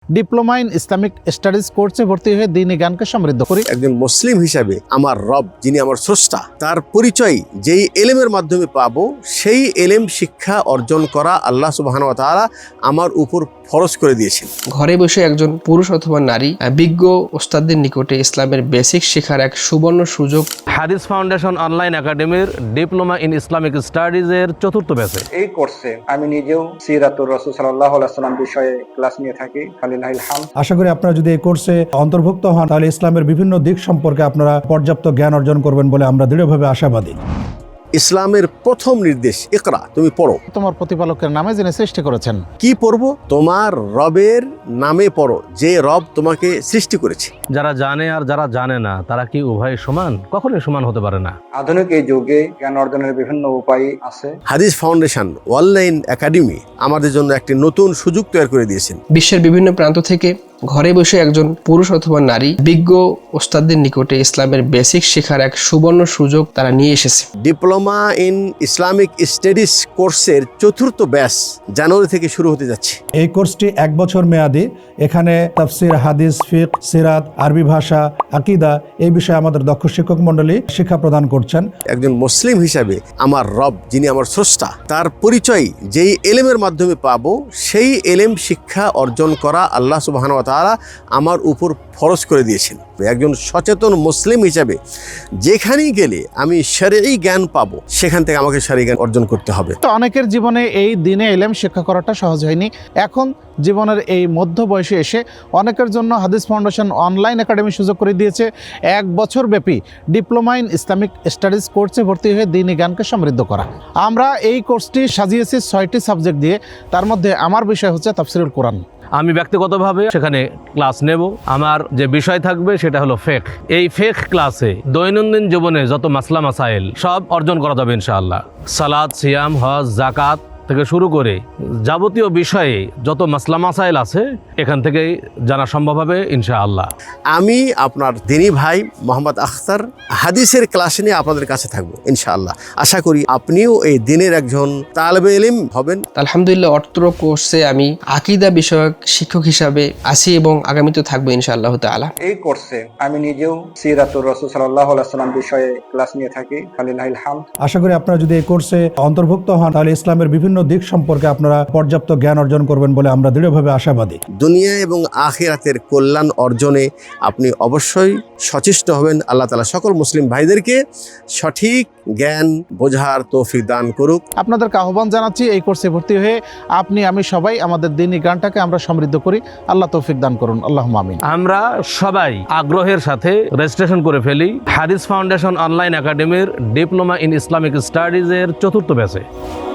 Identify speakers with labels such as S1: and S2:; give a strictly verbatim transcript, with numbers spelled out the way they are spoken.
S1: Diploma in Islamic studies কোর্সে ভর্তি হয়ে দ্বীনি জ্ঞানকে সমৃদ্ধ করি।
S2: একজন মুসলিম হিসাবে আমার রব যিনি আমার স্রষ্টা তার পরিচয় যেই এলেমের মাধ্যমে পাবো সেই এলেম শিক্ষা অর্জন করা আল্লাহ সুবহানাহু ওয়া তাআলা আমার উপর ফরজ করে দিয়েছেন।
S3: ঘরে বসে একজন পুরুষ অথবা নারী বিজ্ঞ ওস্তাদদের নিকটে ইসলামের বেসিক শেখার এক সুবর্ণ সুযোগ।
S4: হাদিস ফাউন্ডেশন অনলাইন একাডেমির ডিপ্লোমা ইন ইসলামিক স্টাডিজের চতুর্থ ব্যাচে
S5: এই কোর্সে আমি নিজেও সিরাতুর রাসূল সাল্লাল্লাহু আলাইহি ওয়াসাল্লাম বিষয়ে ক্লাস নিয়ে থাকি। ফালিল্লাহিল হামদ।
S6: আশা করি আপনারা যদি এই কোর্সে অন্তর্ভুক্ত হন তাহলে ইসলামের বিভিন্ন দিক সম্পর্কে আপনারা পর্যাপ্ত জ্ঞান অর্জন করবেন বলে আমরা দৃঢ়ভাবে আশাবাদী।
S2: ইসলামের প্রথম নির্দেশ ইকরা, তুমি পড়ো।
S1: তোমার প্রতিপালকের নামে যিনি সৃষ্টি করেছেন।
S2: কি পড়বো? তোমার রবের নামে পড়ো, যে রব তোমাকে সৃষ্টি করেছে।
S4: যারা জানে আর যারা জানে না তারা কি উভয় সমান? কখনোই সমান হতে পারে না।
S5: আধুনিক এই যুগে জ্ঞান অর্জনের বিভিন্ন উপায় আছে।
S2: হাদিস ফাউন্ডেশন অনলাইন একাডেমি আমাদের জন্য একটি নতুন সুযোগ তৈরি করে দিয়েছেন।
S3: বিশ্বের বিভিন্ন প্রান্ত থেকে ঘরে বসে একজন পুরুষ অথবা নারী বিজ্ঞ ওস্তাদদের নিকটে ইসলামের বেসিক শেখার এক সুবর্ণ সুযোগ তারা নিয়ে এসেছে।
S2: ডিপ্লোমা ইন ইসলামিক স্টাডিজ কোর্সের চতুর্থ ব্যাচ জানুয়ারি থেকে শুরু হতে যাচ্ছে।
S6: এই কোর্সটি এক বছর মেয়াদী। এখানে তাফসির, হাদিস, ফিকহ, সিরাত, আরবি ভাষা, আকীদা এই বিষয়ে আমাদের দক্ষ শিক্ষক মণ্ডলী শিক্ষা প্রদান করছেন।
S2: একজন মুসলিম হিসাবে আমার রব যিনি আমার স্রষ্টা তার পরিচয় যেই এলেমের মাধ্যমে পাবো সেই এলেম শিক্ষা অর্জন করা আল্লাহ সুবহানাহু ওয়া তাআলা আমার উপর ফরজ করে দিয়েছেন। একজন সচেতন মুসলিম হিসাবে যেখানেই গেলে আমি শরঈ জ্ঞান পাবো সেখান থেকে আমাকে শরঈ জ্ঞান অর্জন করতে হবে।
S1: তো অনেকের জীবনে এই দিনে ইলম শিক্ষা করাটা সহজ হয়নি। এখন জীবনের এই মধ্য বয়সে এসে অনেকের জন্য হাদিস ফাউন্ডেশন অনলাইন একাডেমি সুযোগ করে দিয়েছে এক বছর ব্যাপী ডিপ্লোমা ইন ইসলামিক স্টাডিজ কোর্সে ভর্তি হয়ে দ্বীনি জ্ঞানকে সমৃদ্ধ করা। আমরা এই কোর্সটি সাজিয়েছি ছয়টি সাবজেক্ট দিয়ে। তার মধ্যে আমার বিষয় হচ্ছে তাফসিরুল কোরআন।
S4: আমি ব্যক্তিগতভাবে সেখানে ক্লাস নেব। আমার যে বিষয় থাকবে সেটা হলো ফেক। এই ফেক ক্লাসে দৈনন্দিন জীবনে যত মাসলা মাসাইল সব অর্জন করা যাবে ইনশাআল্লাহ। সালাত, সিয়াম, হজ, জাকাত থেকে শুরু করে যাবতীয় বিষয়ে যত মাসলা মাসাইল আছে এখান থেকেই জানা সম্ভব হবে ইনশাআল্লাহ।
S2: আমি আপনার দিনী ভাই মোহাম্মদ আখতার হাদিসের ক্লাস নিয়ে আপনাদের কাছে থাকবো ইনশাআল্লাহ। আশা করি আপনিও এই দিনের একজন তালেবে ইলম হবেন।
S3: আলহামদুলিল্লাহ, অত্র কোর্সে আমি আকীদা বিষয়ক শিক্ষক হিসাবে আছি এবং আগামীতে থাকবো ইনশাআল্লাহ তাআলা।
S5: এই কোর্সে আমি নিজেও সিরাতুর রাসূল সাল্লাল্লাহু আলাইহি ওয়াসাল্লাম বিষয়ে ক্লাস নিয়ে থাকি। ফালিল্লাহিল হামদ।
S6: আশা করি আপনারা যদি এই কোর্সে অন্তর্ভুক্ত হন তাহলে ইসলামের বিভিন্ন দিক সম্পর্কে আপনারা পর্যাপ্ত জ্ঞান অর্জন করবেন বলে আমরা দৃঢ়ভাবে আশাবাদী।
S2: দুনিয়া এবং আখিরাতের কল্যাণ অর্জনে আপনি অবশ্যই সচেষ্ট হবেন। আল্লাহ তাআলা সকল মুসলিম ভাইদেরকে সঠিক জ্ঞান বোঝার তৌফিক দান করুক।
S1: আপনাদেরকে আহ্বান জানাচ্ছি এই কোর্সে ভর্তি হয়ে আপনি আমি সবাই আমাদের দ্বীনি জ্ঞানটাকে আমরা সমৃদ্ধ করি। আল্লাহ তৌফিক দান করুন। আল্লাহুম্মা আমিন।
S4: আমরা সবাই আগ্রহের সাথে রেজিস্ট্রেশন করে ফেলি হাদিস ফাউন্ডেশন অনলাইন একাডেমির ডিপ্লোমা ইন ইসলামিক স্টাডিজের চতুর্থ ব্যাচে।